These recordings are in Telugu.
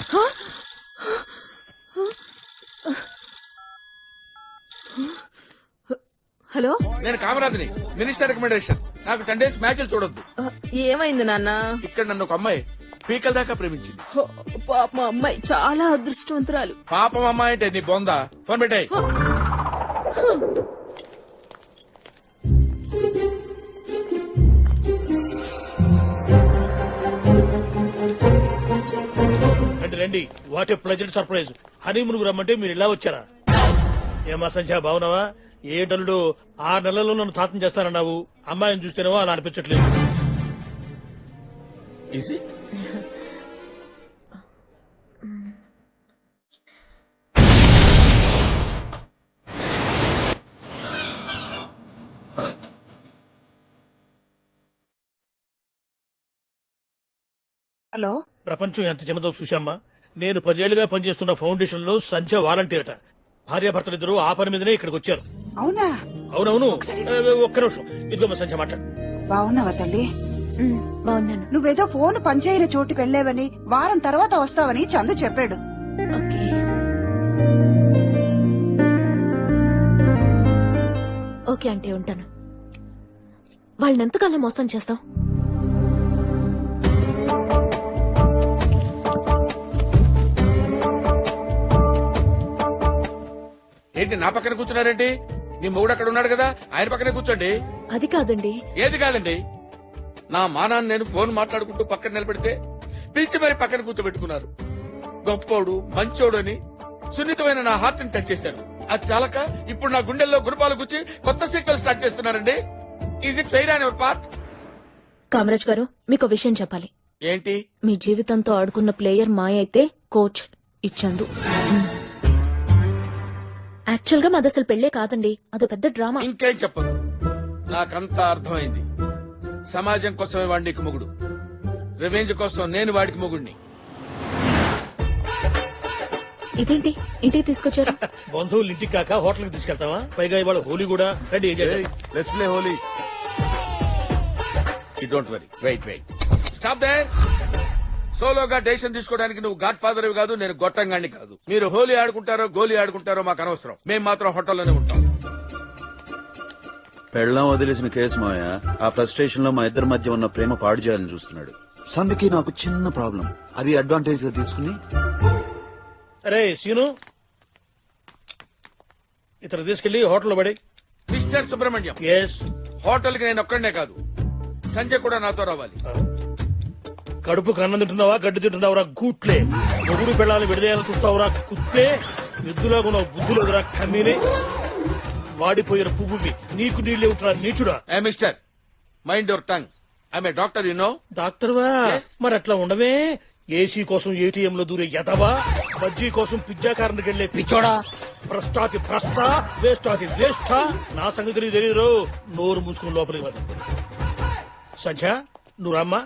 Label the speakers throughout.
Speaker 1: హలో,
Speaker 2: నేను కామరాజుని, మినిస్టర్ రికమెండేషన్. నాకు 10 days మ్యాచ్లు చూడొద్దు.
Speaker 1: ఏమైంది నాన్న?
Speaker 2: ఇక్కడ నన్ను ఒక అమ్మాయి పీకల దాకా ప్రేమించింది.
Speaker 1: పాప మా అమ్మాయి చాలా అదృష్టవంతురాలు.
Speaker 2: పాపం అమ్మాయి అంటే నీ బొందా. ఫోన్ పెట్టాయి.
Speaker 3: రండి రండి, what a pleasant surprise. Honeymoon రమ్మంటే మీరు ఇలా వచ్చారా? ఏమా సంధ్య, బాగున్నావా? ఏ డల్లుడు 6 నెలల్లో నన్ను తాతం చేస్తానన్నావు. అమ్మాయిని చూస్తేనేవో అలా అనిపించట్లేదు.
Speaker 4: హలో,
Speaker 3: ప్రపంచం ఎంత చిన్నదో చూశామ్మా. నేను 10 ఏళ్లుగా పనిచేస్తున్న ఫౌండేషన్ లో సంధ్య వాలంటీర్ అట. భార్యాభర్తలిద్దరూ ఆ పని మీదనే ఇక్కడికి వచ్చారు.
Speaker 4: అవునా?
Speaker 3: అవునవును. ఒక్క నిమిషం, ఇదిగో మా సంధ్య మాట్లాడు.
Speaker 4: బాగున్నావా తల్లి?
Speaker 1: బాగున్నాను.
Speaker 4: నువ్వేదో ఫోన్ పనిచేయని చోటుకు వెళ్లేవని, వారం తర్వాత వస్తావని చందు చెప్పాడు.
Speaker 1: ఓకే అంటే ఉంటాను. వాళ్ళని ఎంతకాలం మోసం చేస్తావు?
Speaker 2: ఏంటి నా పక్కన కూర్చున్నారేంటి? నీ మొగుడు అక్కడ ఉన్నాడు కదా, ఆయన పక్కనే కూర్చోండి.
Speaker 1: అది కాదండి.
Speaker 2: ఏది కాదండి? నా మానాన్ని నేను ఫోన్ మాట్లాడుకుంటూ పక్కన నిలబెడితే పిలిచి మరి పక్కన కూర్చోబెట్టుకున్నారు. గొప్పోడు, మంచోడు అని సున్నితమైన నా హార్ట్ ని టచ్ చేశారు. అది చాలక ఇప్పుడు నా గుండెల్లో గురుపాలు గుచ్చి కొత్త సీక్వెల్ స్టార్ట్ చేస్తున్నారండి. Is it fair on your part?
Speaker 1: Kamaraj garu, మీకు విషయం చెప్పాలి.
Speaker 2: ఏంటి?
Speaker 1: మీ జీవితంతో ఆడుకున్న ప్లేయర్ మాయ అయితే కోచ్ ఇచ్చాడు. యాక్చువల్ గా మాది అసలు పెళ్లే కాదండి, అదో పెద్ద డ్రామా.
Speaker 2: ఇంకేం చెప్పదు, నాకంతా అర్థమైంది. సమాజం కోసమే వాడికి మొగుడు, రివెంజ్ కోసం నేను వాడికి మొగుడిని.
Speaker 1: ఇదేంటి ఇంటికి తీసుకొచ్చారు?
Speaker 3: బంధువులు ఇంటికి కాక హోటల్కి తీసుకెళ్తావా? పైగా ఇవాళ హోలీ కూడా. రండి,
Speaker 2: let's play Holi. You don't worry, wait stop there. సోలోగా డెసిషన్ తీసుకోవడానికి నువ్వు గాడ్ ఫాదర్ కాదు, నేను గొట్టంగాన్ని కాదు. మీరు హోలీ ఆడుకుంటారో గోలీ ఆడుకుంటారో మాకు అనవసరం. మేము మాత్రం హోటల్లోనే ఉంటాం.
Speaker 5: పెళ్ళం వదిలేసిన కేసు మాయ ఆ ఫ్రస్ట్రేషన్ లో మా ఇద్దరి మధ్య ఉన్న ప్రేమ పాడు చేయాలని చూస్తున్నాడు. సందుకి నాకు చిన్న ప్రాబ్లం, అది అడ్వాంటేజ్ గా తీసుకుని.
Speaker 3: అరే సీను, ఇతను తీసుకెళ్లి హోటల్లో పడి.
Speaker 2: Mister Subrahmanyam,
Speaker 3: yes.
Speaker 2: హోటల్ కి నేను ఒక్కడనే కాదు, సంజయ్ కూడా నాతో రావాలి.
Speaker 3: కడుపుకు అన్నం తింటున్నావా, గడ్డి తింటున్నావురా గూట్లే? మొగుడు పిల్లల్ని విడదీయాలని చూస్తావురా కుత్తే? ఎద్దులో ఉన్న బుద్ధులేదురా కమ్మీని? వాడిపోయిన పువ్వువి నీకు నీళ్లే ఉంటున్నా నీచుడా.
Speaker 2: Hey mister, mind your tongue. I'm a doctor, you know.
Speaker 3: డాక్టర్వా?
Speaker 2: Yes.
Speaker 3: మరి అట్లా ఉండవే. ఏసీ కోసం ఏటీఎం లో దూరే ఎదవా, బజ్జీ కోసం పిజ్జా కారణకి వెళ్లే పిచ్చోడా, భ్రష్టాతి భ్రష్ట, వేస్టాతి వేస్ట. నా సంగతి నీకు తెలియదు. నోరు మూసుకుని లోపలికి వద్ద. సంధ్య, నువ్వు రమ్మా.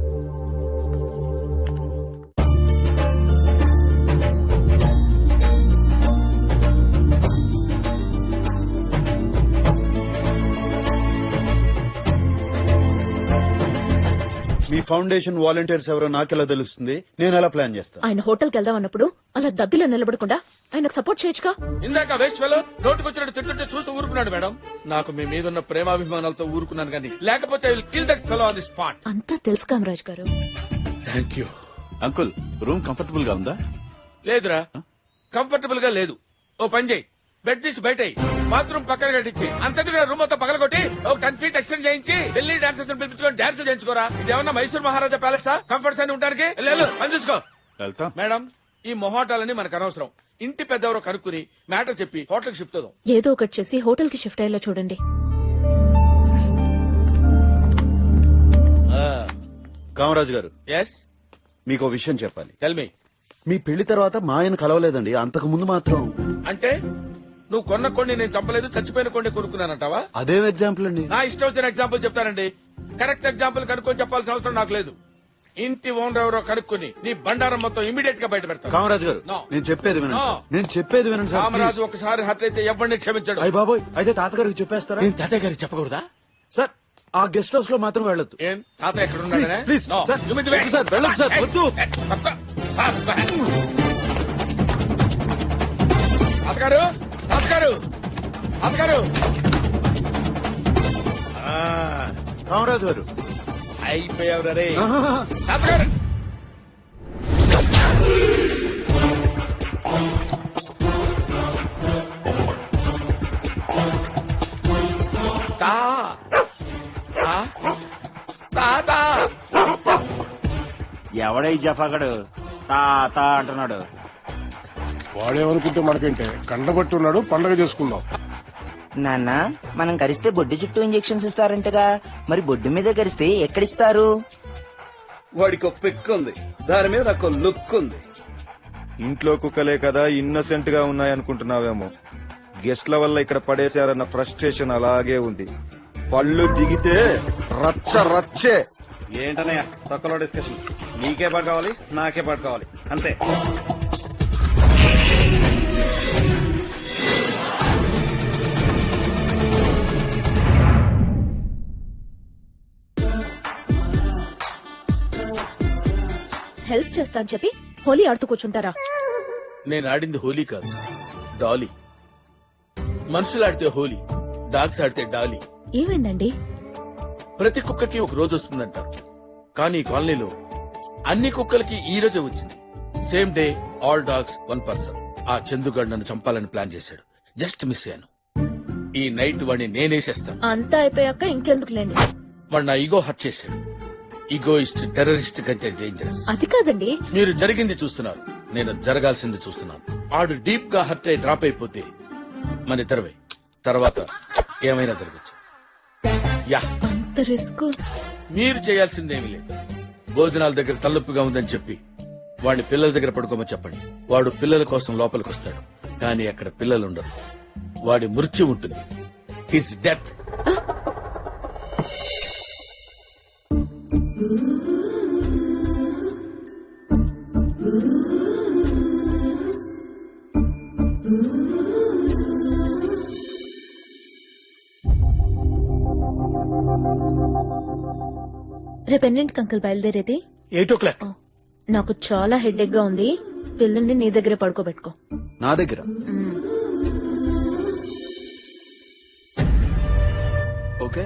Speaker 5: మీ ఫౌండేషన్ వాలంటీర్స్ ఎవరో నాకెలా తెలుస్తుంది? నేను ఎలా ప్లాన్ చేస్తాను?
Speaker 1: ఆయన హోటల్కి వెళ్దాం అన్నప్పుడు అలా దద్దిలో నిలబడకుండా ఆయనకు సపోర్ట్ చేయొచ్చుగా.
Speaker 2: ఇందాక వేస్ట్ ఫెలో నోటుకొచ్చినట్టు తింటుంటే చూస్తూ ఊరుకున్నాడు మేడం. నాకు మీ మీద ఉన్న ప్రేమాభిమానాలతో ఊరుకున్నాను కానీ, లేకపోతే I will kill that fellow on the spot.
Speaker 1: అంతా తెలుసు Kamaraj garu.
Speaker 2: Thank you
Speaker 6: uncle. Room comfortable గా ఉందా?
Speaker 2: లేదురా, కంఫర్టబుల్ గా లేదు. ఓ పని చేయి, బెడ్ తీసి బయట బాత్రూమ్ పక్కన కట్టించి అంతటిగా రూమ్ మొత్తం పగలగొట్టి ఒక 10 feet ఎక్స్టెండ్ చేయించి ఢిల్లీ డాన్సర్స్ పిలిపించుకొని డాన్స్ చేయించుకోరా. ఇదేమన్నా మైసూర్ మహారాజా ప్యాలెస్ కంఫర్ట్స్ అని ఉండడానికి? పని చూసుకో.
Speaker 6: వెళ్తాం
Speaker 2: మేడం, ఈ మొహాటాలని మనకు అనవసరం. ఇంటి పెద్దవరో కనుక్కుని మ్యాటర్ చెప్పి హోటల్ షిఫ్ట్ అవుదాం.
Speaker 1: ఏదో ఒకటి చేసి హోటల్ కి షిఫ్ట్ అయ్యేలా చూడండి.
Speaker 5: కామరాజు గారు,
Speaker 2: ఎస్,
Speaker 5: మీకు ఓ విషయం చెప్పాలి.
Speaker 2: Tell me.
Speaker 5: మీ పెళ్లి తర్వాత మా ఆయన కలవలేదండి, అంతకు ముందు మాత్రం.
Speaker 2: అంటే నువ్వు కొన్న కొన్ని నేను చంపలేదు, చచ్చిపోయిన కొన్ని కొనుక్కున్నానంటావా?
Speaker 5: అదేం ఎగ్జాంపుల్ అండి?
Speaker 2: నా ఇష్టం వచ్చిన ఎగ్జాంపుల్ చెప్తానండి. కరెక్ట్ ఎగ్జాంపుల్ కనుక్కొని చెప్పాల్సిన అవసరం నాకు లేదు. ఇంటి ఓనర్ ఎవరో కనుక్కుని నీ బండారం మొత్తం ఇమీడియట్ గా బయట పెడతాను.
Speaker 5: కామరాజు గారు,
Speaker 2: No.
Speaker 5: నేను చెప్పేది వినండి
Speaker 2: No.
Speaker 5: సార్. నేను చెప్పేది వినండి సార్,
Speaker 2: రామరాజు
Speaker 5: ప్లీజ్.
Speaker 2: ఒకసారి హత్య అయితే ఎవరిని క్షమించాడు.
Speaker 5: అయ్య బాబోయ్, అయితే తాతగారికి చెప్పేస్తారా?
Speaker 2: నేను తాతయ్య గారికి చెప్పకూడదా?
Speaker 5: సార్, ఆ గెస్ట్ హౌస్ లో మాత్రం వెళ్ళొద్దు.
Speaker 2: ఏం తాతయ్య ఎక్కడ ఉన్నాడనే?
Speaker 5: Please,
Speaker 2: No.
Speaker 5: Sir.
Speaker 2: You mean the way?
Speaker 5: Sir, వెళ్ళొద్దు సార్, వద్దు.
Speaker 2: తప్ప. అత్తగారు అత్తగారు అత్తగారు
Speaker 5: కామరాజు గారు
Speaker 2: అయిపోయావు రే అత్తగారు. తా. తా. తాత.
Speaker 7: ఎవడై జఫాగడు తాత అంటున్నాడు.
Speaker 8: వాడేమనుకుంటే మనకంటే కండబట్టి ఉన్నాడు. పండగ చేసుకుందాం.
Speaker 9: నాన్న మనం కరిస్తే బొడ్డు చుట్టూ ఇంజెక్షన్స్ ఇస్తారంటగా, మరి బొడ్డు మీద కరిస్తే ఎక్కడిస్తారు?
Speaker 10: వాడికి ఒక పిక్ ఉంది, దాని మీద ఒక లుక్ ఉంది. ఇంట్లో కుక్కలే కదా ఇన్నోసెంట్ గా ఉన్నాయనుకుంటున్నావేమో. గెస్ట్ల వల్ల ఇక్కడ పడేశారన్న ఫ్రస్ట్రేషన్ అలాగే ఉంది. పళ్ళు దిగితే రచ్చ రచ్చే. ఏంటనయ్య తొక్కలో డిస్కషన్? నీకే పాటు కావాలి, నాకే పాటు కావాలి, అంతే.
Speaker 1: హెల్ప్ చేస్తా అని చెప్పి హోలీ ఆడుతూ కూర్చుంటారా?
Speaker 2: నేను ఆడింది హోలీ కాదు, డాలీ. మనుషులు ఆడితే హోలీ, డాగ్స్ ఆడితే డాలీ.
Speaker 1: ఏమైందండి?
Speaker 2: ప్రతి కుక్కకి ఒక రోజు వస్తుందంటారు, కానీ ఈ కాలనీలో అన్ని కుక్కలకి ఈ రోజే వచ్చింది. Same day all dogs 1 person. ఆ చందుగాడు నన్ను చంపాలని ప్లాన్ చేశాడు. జస్ట్ మిస్ అయ్యాను. ఈ నైట్ వాడిని నేనేసేస్తాను.
Speaker 1: అంతా అయిపోయాక ఇంకెందుకులేండి.
Speaker 2: వాడు నా ఈగో హర్ట్ చేశాడు. ఈగోయిస్ట్ టెర్రరిస్ట్ కంటే డేంజరస్.
Speaker 1: అది కాదండి.
Speaker 2: మీరు జరిగింది చూస్తున్నారు, నేను జరగాల్సింది చూస్తున్నాను. ఆడు డీప్ గా హర్ట్ అయి డ్రాప్ అయిపోతే మన ఇద్దరమే, తర్వాత ఏమైనా జరగచ్చు. యా,
Speaker 1: అంత రిస్క్.
Speaker 2: మీరు చేయాల్సిందేమీ లేదు. భోజనాల దగ్గర తలనొప్పిగా ఉందని చెప్పి వాడిని పిల్లల దగ్గర పడుకోమని చెప్పండి. వాడు పిల్లల కోసం లోపలికి వస్తాడు, కానీ అక్కడ పిల్లలు ఉండరు. వాడి మృత్యు ఉంటుంది. His death.
Speaker 1: రేపు ఎన్నింటికి అంకుల్ బయలుదేరేది?
Speaker 3: 8 o'clock.
Speaker 1: నాకు చాలా హెడేక్ గా ఉంది. పిల్లల్ని నీ దగ్గరే పడుకోబెట్టుకో.
Speaker 5: నా దగ్గర ఓకే.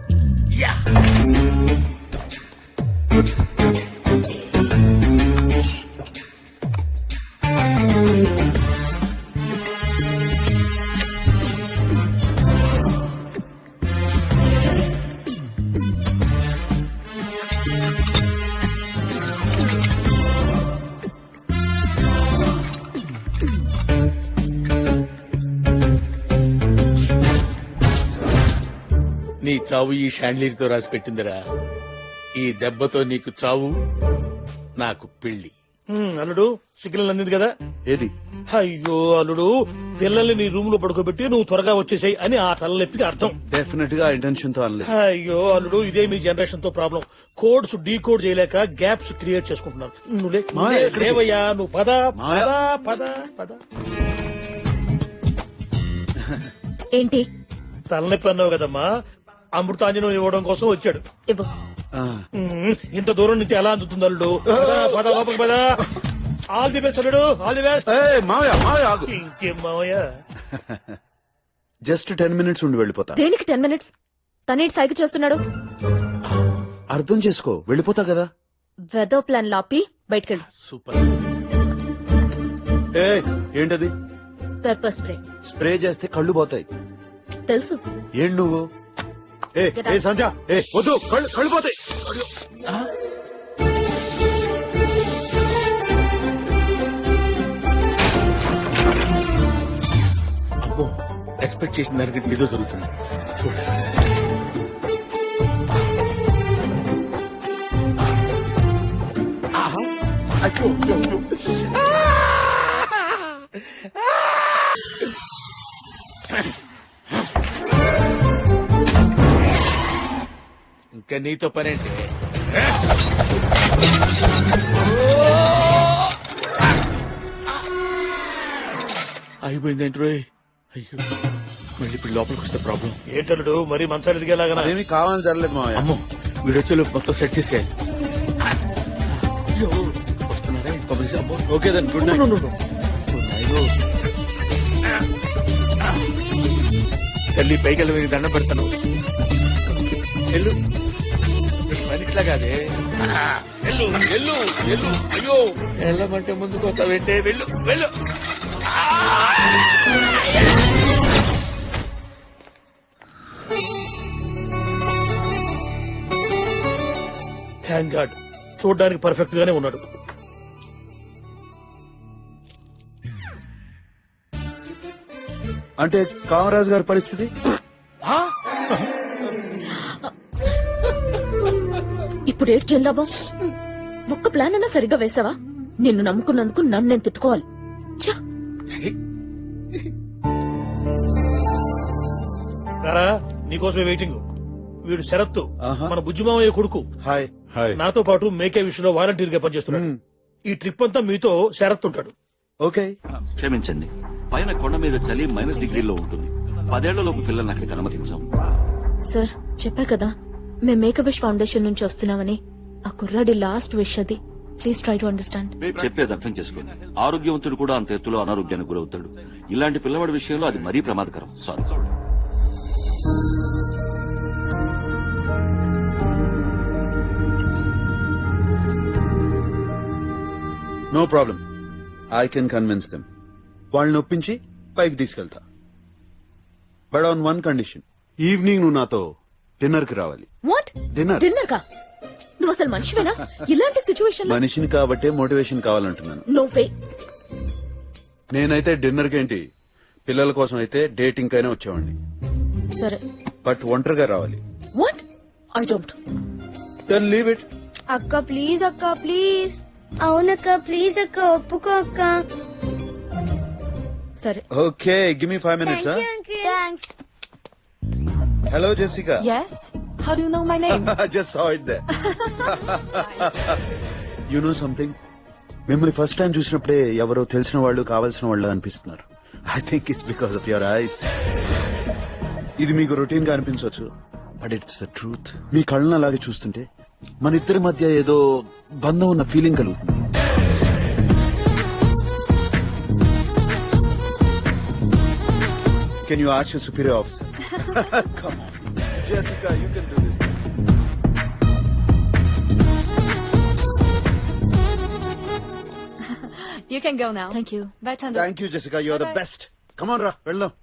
Speaker 2: నీ చావు ఈ షాండ్లీర్ తో రాసి పెట్టిందిరా. ఈ దెబ్బతో నీకు చావు, నాకు పెళ్లి.
Speaker 3: అల్లుడు సిగ్నల్ అందింది కదా.
Speaker 5: ఏది?
Speaker 3: అయ్యో అల్లుడు, పిల్లల్ని నీ రూమ్ లో పడుకోబెట్టి నువ్వు త్వరగా వచ్చేసాయి అని ఆ తలనొప్పికి అర్థం.
Speaker 5: డెఫినెట్ గా ఇంటెన్షన్ తో అనలేదు.
Speaker 3: అయ్యో అల్లుడు, ఇదే మీ జనరేషన్ తో ప్రాబ్లం. కోడ్స్ డీకోడ్ చేయలేక గ్యాప్స్ క్రియేట్ చేసుకుంటున్నారు.
Speaker 5: మాయ, ఎక్కడికి?
Speaker 3: లేవయ్యా నువ్వు పద
Speaker 5: మాయ.
Speaker 3: పద పద పద.
Speaker 1: ఏంటి?
Speaker 3: తలనొప్పి అన్నావు కదమ్మా, అమృతాంజనం ఇవ్వడం కోసం వచ్చాడు.
Speaker 1: ఇవ్వు.
Speaker 3: ఇంత దూరం నుంచి ఎలా అందుతుంది అల్లుడు? పద లోపలికి పద. ఆల్ ది బెస్ట్ అల్లుడు, ఆల్ ది బెస్ట్.
Speaker 5: మావయ్య మావయ్య ఆగు.
Speaker 3: ఇంకేం మావయ్య.
Speaker 5: జస్ట్ 10 minutes ఉండి వెళ్ళిపోతా.
Speaker 1: దేనికి 10 minutes? తనేటి సైకి చేస్తున్నాడు.
Speaker 5: అర్థం చేసుకో, వెళ్ళిపోతా కదా.
Speaker 1: వెదో ప్లాన్ లాపి బయటకెళ్ళు.
Speaker 2: సూపర్.
Speaker 5: ఏంటది?
Speaker 1: Pepper spray.
Speaker 5: స్ప్రే చేస్తే కళ్ళు పోతాయి.
Speaker 1: తెలుసు.
Speaker 5: ఏం నువ్వు? సంధ్య, వద్దు, కళ్ళు పోతాయి.
Speaker 2: అబ్బో, ఎక్స్పెక్ట్ చేసిన దానికి ఏదో జరుగుతుంది. చూడండి. ఆహా, అయ్యో, అయ్యో. ఇంకా నీతో పనేంటి? అయిపోయిందేంటి రోయ్? అయ్యో, మళ్ళీ ఇప్పుడు లోపలికి వస్తే ప్రాబ్లం.
Speaker 3: ఏంటల్లుడు మరి మంచాలు ఎదిగేలాగా?
Speaker 5: అదేమి కావాలని జరగలేదు మావయ్య.
Speaker 2: అమ్మో, వీడొచ్చేలోపు మొత్తం సెట్ చేసేయాలి. అయ్యో, వస్తున్నారా?
Speaker 5: Okay then good night.
Speaker 2: తల్లి పైకి వెళ్ళి దండం పెడతాను. వెళ్ళు, పనిట్లా కాదే. వెళ్ళు వెళ్ళు వెళ్ళు. అయ్యో వెళ్ళమంటే ముందుకు వస్తావేంటే? వెళ్ళు వెళ్ళు.
Speaker 3: థ్యాంక్ గాడ్, చూడడానికి పర్ఫెక్ట్ గానే ఉన్నాడు.
Speaker 5: అంటే కామరాజు గారి పరిస్థితి?
Speaker 1: ఇప్పుడు ఏడ్చేం లాభం? ఒక్క ప్లాన్ అన్నా సరిగ్గా వేసావా? నిన్ను నమ్ముకున్నందుకు నన్ను నేను తిట్టుకోవాలి. ఛ!
Speaker 3: రారా, నీకోసమే వెయిటింగ్. వీడు శరత్తు,
Speaker 5: ఆహా.
Speaker 3: మన బుజ్జిమామయ్య కొడుకు.
Speaker 5: హాయ్.
Speaker 6: హాయ్.
Speaker 3: నాతో పాటు మేకే విషయంలో వాలంటీర్ గా పనిచేస్తున్నాడు. ఈ ట్రిప్ అంతా మీతో శరత్ ఉంటాడు.
Speaker 5: ఓకే.
Speaker 11: క్షమించండి, పైన కొండ మీద చలి -డిగ్రీలో ఉంటుంది. 10 ఏళ్లలోపు పిల్లల్ని అక్కడికి అనుమతించాం.
Speaker 1: సార్, చెప్పా కదా మేం మేక్ విష్ ఫౌండేషన్ నుంచి వస్తున్నామని. ఆ కుర్రాడి లాస్ట్ విష్ అది. Please try to understand.
Speaker 11: చెప్పేది అర్థం చేసుకోండి. ఆరోగ్యవంతుడు కూడా అంత ఎత్తులో అనారోగ్యానికి గురవుతాడు. ఇలాంటి పిల్లవాడి విషయంలో అది మరీ ప్రమాదకరం. Sorry.
Speaker 5: No problem, I can convince them. వాళ్ళని ఒప్పించి పైకి తీసుకెళ్తా. But on one condition, evening నువ్వు నాతో డిన్నర్ కి రావాలి.
Speaker 1: వాట్?
Speaker 5: డిన్నర్.
Speaker 1: డిన్నర్ కా? నువ్వు అసలు మనిషివేనా? ఇలాంటి సిచ్యువేషన్ లో
Speaker 5: మనిషిని కాబట్టే మోటివేషన్ కావాలంటున్నాను.
Speaker 1: No way.
Speaker 5: నేనైతే డిన్నర్ కేంటి, పిల్లల కోసం అయితే డేటింగ్ కైనా వచ్చేవాడిని.
Speaker 1: సరే.
Speaker 5: బట్ ఒంటరిగా రావాలి.
Speaker 1: What? I don't.
Speaker 5: Then leave it.
Speaker 12: అక్క ప్లీజ్, అక్క ప్లీజ్. అవునక్క ప్లీజ్ అక్క, ఒప్పుకో అక్క.
Speaker 1: సరే.
Speaker 5: Okay, give me 5 minutes.
Speaker 12: Thanks.
Speaker 5: Hello Jessica.
Speaker 1: Yes. How do you know my name?
Speaker 5: I just saw it there. You know something? మిమ్మల్ని ఫస్ట్ టైం చూసినప్పుడే ఎవరో తెలిసిన వాళ్ళు కావాల్సిన వాళ్ళు అనిపిస్తున్నారు. I think it's because of your eyes. ఇది మీకు రొటీన్ గా అనిపించవచ్చు, బట్ ఇట్స్ ద ట్రూత్. మీ కళ్ళను అలాగే చూస్తుంటే మన ఇద్దరి మధ్య ఏదో బంధం ఉన్న ఫీలింగ్ కలుగుతుంది. Can you ask your superior officer? Come on. Jessica, you can do this.
Speaker 1: You can go now. Thank you. Bye, Chandu.
Speaker 5: Thank you, Jessica. You're the best. Come on, Ra. Well,